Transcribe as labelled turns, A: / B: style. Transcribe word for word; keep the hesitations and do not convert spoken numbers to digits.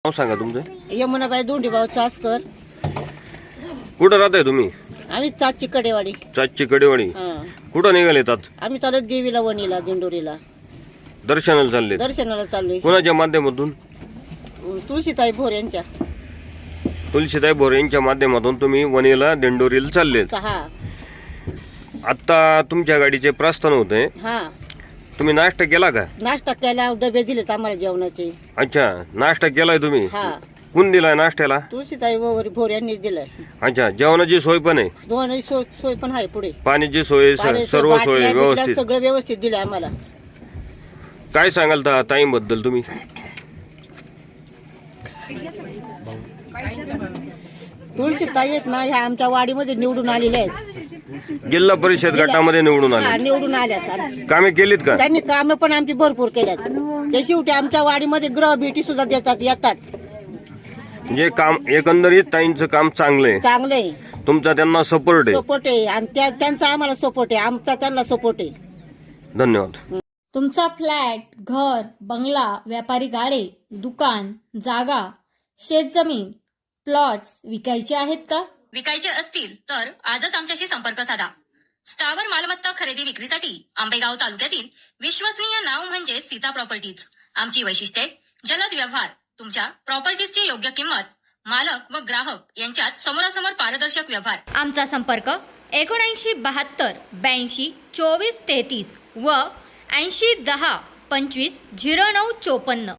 A: नाव सांगा तुमचं.
B: यमुनाबाई दोंडीभाऊ चासकर.
A: कुठं राहताय तुम्ही?
B: आम्ही चाची कडेवाडी.
A: चाची कडेवाडी.
B: हा.
A: कुठं निघाले येतात?
B: आम्ही चालत देवीला वणीला दिंडोरीला
A: दर्शनाला चालले.
B: दर्शनाला चाललोय.
A: कोणाच्या माध्यमातून?
B: तुळशीताई भोर यांच्या.
A: तुलसीताई भोरे यांच्या माध्यमातून तुम्ही वणीला दिंडोरीला चालले.
B: हा
A: आता तुमच्या गाडीचे प्रस्थान होते.
B: हा
A: तुम्ही नाश्ता केला का?
B: नाश्ता केला, डबे दिलेत आम्हाला जेवणाचे.
A: अच्छा, नाश्ता केलाय तुम्ही?
B: हा.
A: कोण दिलाय नाश्त्याला?
B: तुळशीताई भोर भोर यांनीच दिलाय.
A: अच्छा, जेवणाची सोय पण आहे?
B: दोन सोय सोय पण आहे पुढे.
A: पाण्याची सोय,
B: पाण्याची,
A: सर्व
B: बाटल्या,
A: सोय
B: बिटल्या
A: व्यवस्थित?
B: सगळं व्यवस्थित दिलंय आम्हाला.
A: काय सांगाल त्या ताईंबद्दल तुम्ही?
B: तुळशीताई आहेत ना, ह्या आमच्या वाडीमध्ये निवडून आलेल्या आहेत.
A: जिल्हा परिषद गटामध्ये निवडून
B: हा,
A: आले.
B: निवडून आल्यात.
A: कामे केलीत का?
B: त्यांनी कामं पण आमची भरपूर केल्यात. ते शेवटी आमच्या वाडीमध्ये ग्रह भेटी सुद्धा देतात, येतात.
A: म्हणजे काम एकंदरीत ताईंचं काम चांगलं आहे.
B: चांगले
A: तुमचा त्यांना सपोर्ट आहे.
B: सपोर्ट आहे आणि त्या त्यांचा आम्हाला सपोर्ट आहे, आमचा त्यांना सपोर्ट आहे.
A: धन्यवाद.
C: तुमचा फ्लॅट, घर, बंगला, व्यापारी गाडे, दुकान, जागा, शेतजमीन, प्लॉट्स विकायचे आहेत का?
D: विकायचे असतील तर आजच आमच्याशी संपर्क साधा. स्थावर मालमत्ता खरेदी विक्रीसाठी आंबेगाव तालुक्यातील विश्वसनीय नाव म्हणजे सीता प्रॉपर्टीज. आमची वैशिष्ट्ये: जलद व्यवहार, तुमच्या प्रॉपर्टीजची योग्य किंमत, मालक व ग्राहक यांच्यात समोरासमोर पारदर्शक व्यवहार.
C: आमचा संपर्क एकोणऐंशी बहात्तर ब्याऐंशी चोवीस तेहतीस व ऐंशी दहा पंचवीस झिरो नऊ चोपन्न.